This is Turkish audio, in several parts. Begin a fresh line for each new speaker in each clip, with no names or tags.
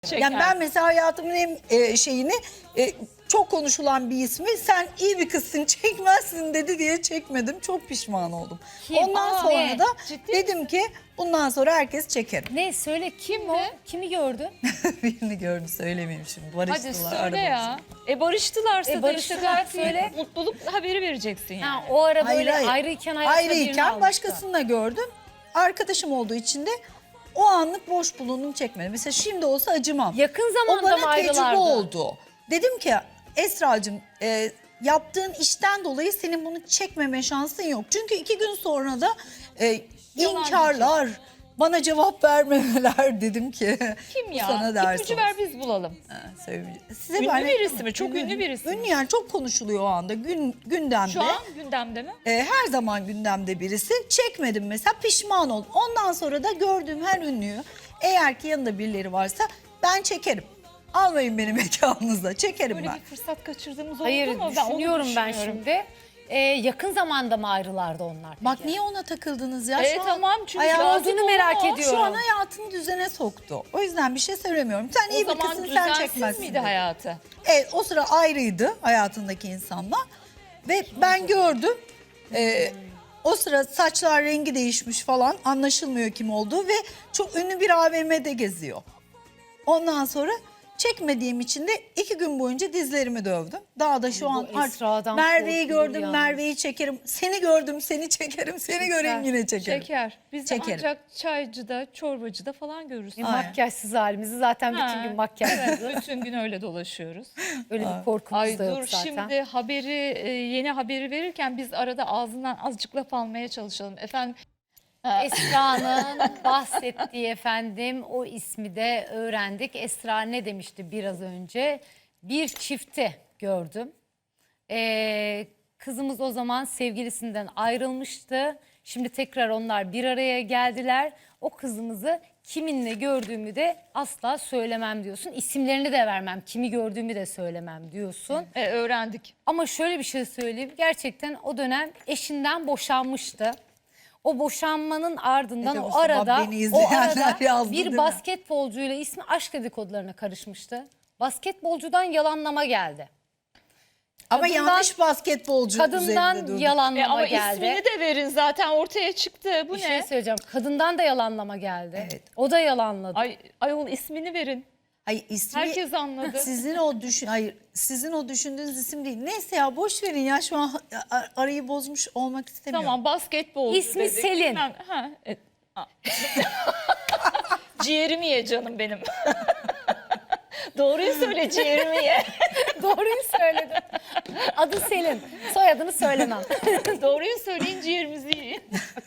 Yani ben mesela hayatımın en şeyini çok konuşulan bir ismi sen iyi bir kızsın çekmezsin dedi diye çekmedim. Çok pişman oldum.
Kim?
Ondan sonra
Ne?
da
Ciddi
dedim ki bundan sonra herkes çekerim.
Ne söyle kim o? Kimi gördün?
Birini gördü söylemeyeyim şimdi.
Hadi
Barıştılar.
söyle ya. Barıştılarsa da
Barıştılar,
işte gayet
söyle.
mutluluk haberi vereceksin yani.
Ha, o ara
Hayır,
böyle
hayır.
ayrıyken hayatına birini
Ayrıyken
almıştı.
başkasını da gördüm. Arkadaşım olduğu için de o anlık boş bulundum çekmedim. Mesela şimdi olsa acımam.
Yakın
O
zamanda mı
bana tecrübe
ayrılardı?
oldu. Dedim ki Esra'cığım yaptığın işten dolayı senin bunu çekmeme şansın yok. Çünkü 2 gün sonra da inkarlar, bana cevap vermemeler dedim ki.
Kim ya?
Sana ders
İpucu
olsun.
ver biz bulalım.
Size
Ünlü
ben-
birisi mi? Çok ünlü birisi mi?
Ünlü yani çok konuşuluyor o anda gündemde.
Şu an gündemde mi?
Her zaman gündemde birisi. Çekmedim mesela pişman oldum. Ondan sonra da gördüğüm her ünlüyü eğer ki yanında birileri varsa ben çekerim. Almayın beni mekanınıza çekerim
Böyle
ben.
bir fırsat kaçırdığımız oldu
Hayır
mu?
düşünüyorum ben
düşünüyorum.
şimdi. Yakın zamanda mı ayrılardı onlar?
Bak
peki?
niye ona takıldınız ya?
Evet
Şu an
tamam çünkü
hayatı-
lazım
olduğunu merak
olan o.
ediyorum.
Şu an hayatını düzene soktu. O yüzden bir şey söylemiyorum. Sen iyi
O
bir
zaman
kızsın sen
düzensiz
çekmezsin.
miydi
dedi.
hayatı?
Evet o sıra ayrıydı hayatındaki insanla. Ve ben gördüm. O sıra saçlar rengi değişmiş falan anlaşılmıyor kim olduğu ve çok ünlü bir AVM'de geziyor. Ondan sonra çekmediğim için de 2 gün boyunca dizlerimi dövdüm. Daha da şu
Bu
an artık
Esra'dan
Merve'yi
korkulur
gördüm,
yalnız.
Merve'yi çekerim. Seni gördüm, seni çekerim. Seni göreyim yine çekerim.
Şeker. Biz de
Çekerim.
ancak çaycıda, çorbacıda falan görürüz.
Makyajsız halimizi zaten bütün
Ha,
gün makyajsız.
Evet, bütün gün öyle dolaşıyoruz.
Öyle bir korkumuz
Ay
da yok
dur
zaten.
şimdi yeni haberi verirken biz arada ağzından azıcık laf almaya çalışalım. Efendim
Esra'nın bahsettiği efendim o ismi de öğrendik. Esra ne demişti biraz önce? Bir çifti gördüm. Kızımız o zaman sevgilisinden ayrılmıştı. Şimdi tekrar onlar bir araya geldiler. O kızımızı kiminle gördüğümü de asla söylemem diyorsun. İsimlerini de vermem, kimi gördüğümü de söylemem diyorsun.
öğrendik.
Ama şöyle bir şey söyleyeyim. Gerçekten o dönem eşinden boşanmıştı. O boşanmanın ardından
Acaba
o arada
beni izleyenler yazdı değil
bir
mi?
basketbolcuyla ismi aşk dedikodularına karışmıştı. Basketbolcudan yalanlama geldi.
Ama
Kadından-
yanlış basketbolcu üzerinde
Kadından
durduk.
yalanlama
Ama
geldi.
ismini de verin zaten ortaya çıktı. Bu
Bir
ne?
şey söyleyeceğim. Kadından da yalanlama geldi.
Evet.
O da yalanladı.
Ayol ismini verin.
Hayır ismi
Herkes anladı.
Sizin o düşündüğünüz isim değil. Neyse ya boş verin ya şu an arayı bozmuş olmak istemiyorum.
Tamam basketbolcu
İsmi
dedik.
Selin.
Bilmem- Ha, ciğerimi ye canım benim. Doğruyu söyle ciğerimi ye.
Doğruyu söyledin. Adı Selin. Soyadını söylemem.
Doğruyu söyleyin ciğerimizi yiyin.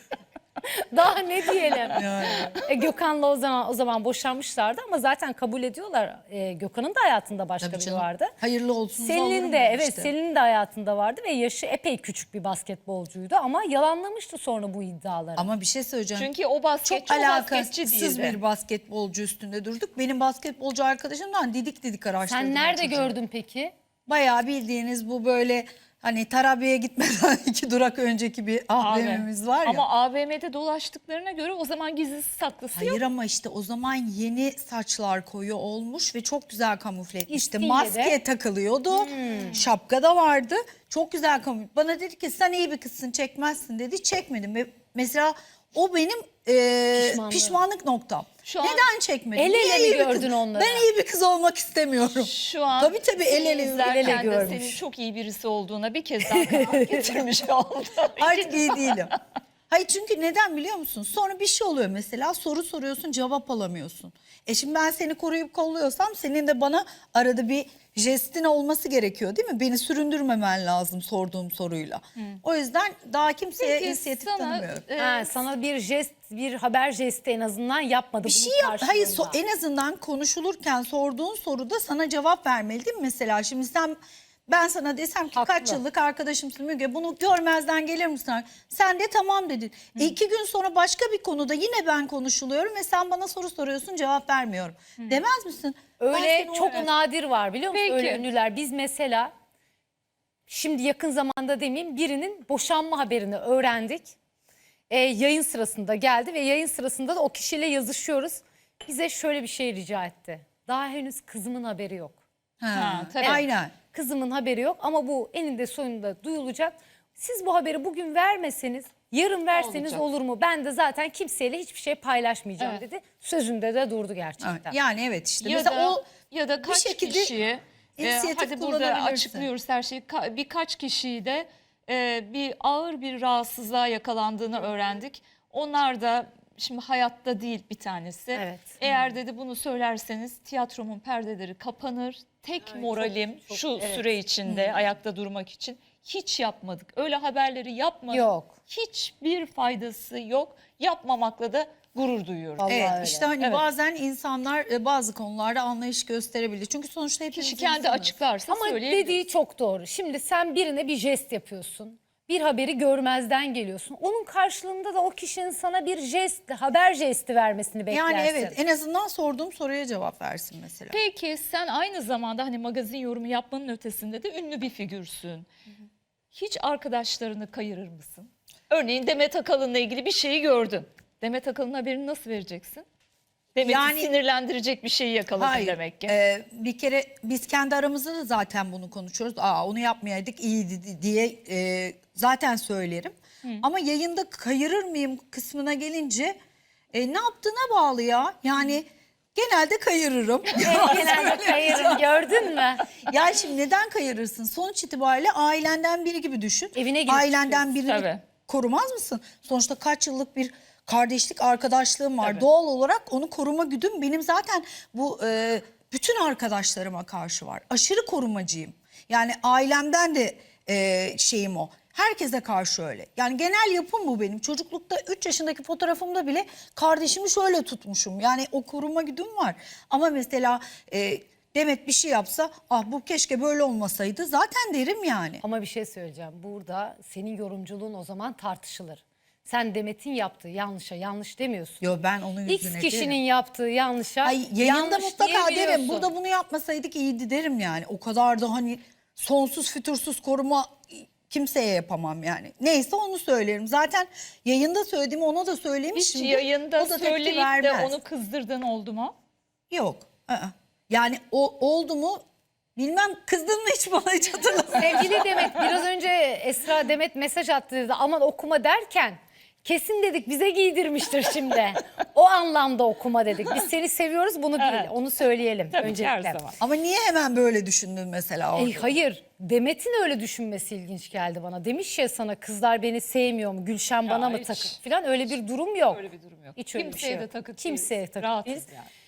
Daha ne diyelim?
Yani.
Gökhan'la o zaman boşanmışlardı ama zaten kabul ediyorlar. Gökhan'ın da hayatında başka
Tabii
biri
canım.
vardı.
Hayırlı olsun.
Selin'in de Selin'in de hayatında vardı ve yaşı epey küçük bir basketbolcuydu ama yalanlamıştı sonra bu iddiaları.
Ama bir şey söyleyeceğim.
Çünkü o basketçi
çok
o basketçi
alakasız
değildi.
bir basketbolcu üstünde durduk. Benim basketbolcu arkadaşımdan didik araştırdım.
Sen nerede
çocuğu.
gördün peki?
Bayağı bildiğiniz bu böyle hani Tarabya'ya gitmeden 2 durak önceki bir AVM'miz var ya.
Ama AVM'de dolaştıklarına göre o zaman gizlisi saklısı yok.
Hayır ama işte o zaman yeni saçlar koyu olmuş ve çok güzel kamufle etmişti.
İstiyle
Maske
de.
takılıyordu. Şapka da vardı. Çok güzel kamufle. Bana dedi ki sen iyi bir kızsın çekmezsin dedi. Çekmedim ve mesela o benim pişmanlık noktam.
Şu an
Neden çekmedim?
el ele
Niye
mi
iyi bir
gördün
kız-
onları?
Ben iyi bir kız olmak istemiyorum.
Şu an
Tabii, el ele,
izlerken
el ele
de
görmüş.
senin çok iyi birisi olduğuna bir kez daha kanaat getirmiş oldu.
Artık iyi değilim. Hayır çünkü neden biliyor musun? Sonra bir şey oluyor mesela soru soruyorsun cevap alamıyorsun. Şimdi ben seni koruyup kolluyorsam senin de bana arada bir jestin olması gerekiyor değil mi? Beni süründürmemen lazım sorduğum soruyla. O yüzden daha kimseye
Peki,
inisiyatif
sana,
tanımıyorum.
Sana bir jest, bir haber jesti en azından yapmadı.
Bir
bunun
şey yap. Hayır
karşılığında.
en azından konuşulurken sorduğun soruda sana cevap vermeli değil mi mesela? Şimdi ben sana desem ki
Haklı.
kaç yıllık arkadaşımsın Müge bunu görmezden gelir misin? Sen de tamam dedin. 2 gün sonra başka bir konuda yine ben konuşuluyorum ve sen bana soru soruyorsun cevap vermiyorum. Demez misin? Ben
Öyle
seni
çok
oraya-
nadir var biliyor musun?
Peki.
Öyle ünlüler. Biz mesela şimdi yakın zamanda demeyeyim birinin boşanma haberini öğrendik. Yayın sırasında geldi ve yayın sırasında da o kişiyle yazışıyoruz. Bize şöyle bir şey rica etti. Daha henüz kızımın haberi yok.
Ha, tabii.
Aynen.
Kızımın haberi yok ama bu eninde sonunda duyulacak. Siz bu haberi bugün vermeseniz, yarın verseniz
Olacak.
olur mu? Ben de zaten kimseyle hiçbir şey paylaşmayacağım
Evet.
dedi. Sözünde de durdu gerçekten.
Yani evet işte.
Ya
Mesela
da,
o
ya da
bir
kaç
şekilde
kişiyi
inisiyatif
hadi burada
kullanabilirsin.
açıklıyoruz her şeyi. Birkaç kişiyi de bir ağır bir rahatsızlığa yakalandığını öğrendik. Onlar da şimdi hayatta değil bir tanesi.
Evet.
Eğer dedi bunu söylerseniz tiyatromun perdeleri kapanır. Tek moralim şu süre içinde ayakta durmak için hiç yapmadık. Öyle haberleri yapmadık.
Yok.
Hiçbir faydası yok. Yapmamakla da gurur duyuyorum.
Vallahi
evet
öyle.
işte hani
Evet.
bazen insanlar bazı konularda anlayış gösterebilir. Çünkü sonuçta hepimiz
Kişi kendi
insanız.
açıklarsa
Ama
söyleyebilir.
dediği çok doğru. Şimdi sen birine bir jest yapıyorsun. Bir haberi görmezden geliyorsun. Onun karşılığında da o kişinin sana bir jest, haber jesti vermesini beklersin.
Yani evet en azından sorduğum soruya cevap versin mesela.
Peki sen aynı zamanda hani magazin yorumu yapmanın ötesinde de ünlü bir figürsün. Hiç arkadaşlarını kayırır mısın? Örneğin Demet Akalın'la ilgili bir şeyi gördün. Demet Akalın haberini nasıl vereceksin? Demet'i
Yani-
sinirlendirecek bir şeyi yakaladın
Hayır.
demek ki.
Bir kere biz kendi aramızda da zaten bunu konuşuyoruz. Onu yapmayaydık iyiydi diye zaten söylerim. Ama yayında kayırır mıyım kısmına gelince ne yaptığına bağlı ya. Yani genelde kayırırım.
Genelde kayırım, gördün mü?
Ya şimdi neden kayırırsın? Sonuç itibariyle ailenden biri gibi düşün.
Evine girip
Ailenden birini
Tabii.
korumaz mısın? Sonuçta kaç yıllık bir kardeşlik arkadaşlığım var.
Tabii.
Doğal olarak onu koruma güdüm benim zaten bu bütün arkadaşlarıma karşı var. Aşırı korumacıyım. Yani ailemden de şeyim o. Herkese karşı öyle. Yani genel yapım bu benim. Çocuklukta 3 yaşındaki fotoğrafımda bile kardeşimi şöyle tutmuşum. Yani o koruma güdüm var. Ama mesela Demet bir şey yapsa bu keşke böyle olmasaydı zaten derim yani.
Ama bir şey söyleyeceğim. Burada senin yorumculuğun o zaman tartışılır. Sen Demet'in yaptığı yanlışa yanlış demiyorsun.
Yo ben onun yüzüne
X kişinin
derim.
yaptığı yanlışa
Ay, yayında
yanlış
mutlaka derim.
diyebiliyorsun.
Burada bunu yapmasaydık iyiydi derim yani. O kadar da hani sonsuz fütursuz koruma kimseye yapamam yani. Neyse onu söylerim. Zaten yayında söylediğimi ona da
Hiç
söylemişim.
yayında
O da tepki
söyleyip de
vermez.
onu kızdırdığın oldu mu?
Yok. Yani o oldu mu bilmem, kızdın mı hiç bana, hiç hatırlamıyorum.
Sevgili Demet, biraz önce Esra Demet mesaj attı dedi. Aman okuma derken kesin dedik bize giydirmiştir şimdi. O anlamda okuma dedik. Biz seni seviyoruz, bunu değil.
Evet.
Onu söyleyelim
Tabii ki her
öncelikle.
zaman.
Ama niye hemen böyle düşündün mesela orada?
Hayır, Demet'in öyle düşünmesi ilginç geldi bana. Demiş ya sana, kızlar beni sevmiyor mu, Gülşen bana mı
hiç.
takık falan, öyle bir durum yok.
Öyle bir durum yok.
Hiç öyle bir
Kimseye
şey
de
yok.
takık
Kimseye
değiliz.
takık
Rahatız
değiliz.
yani.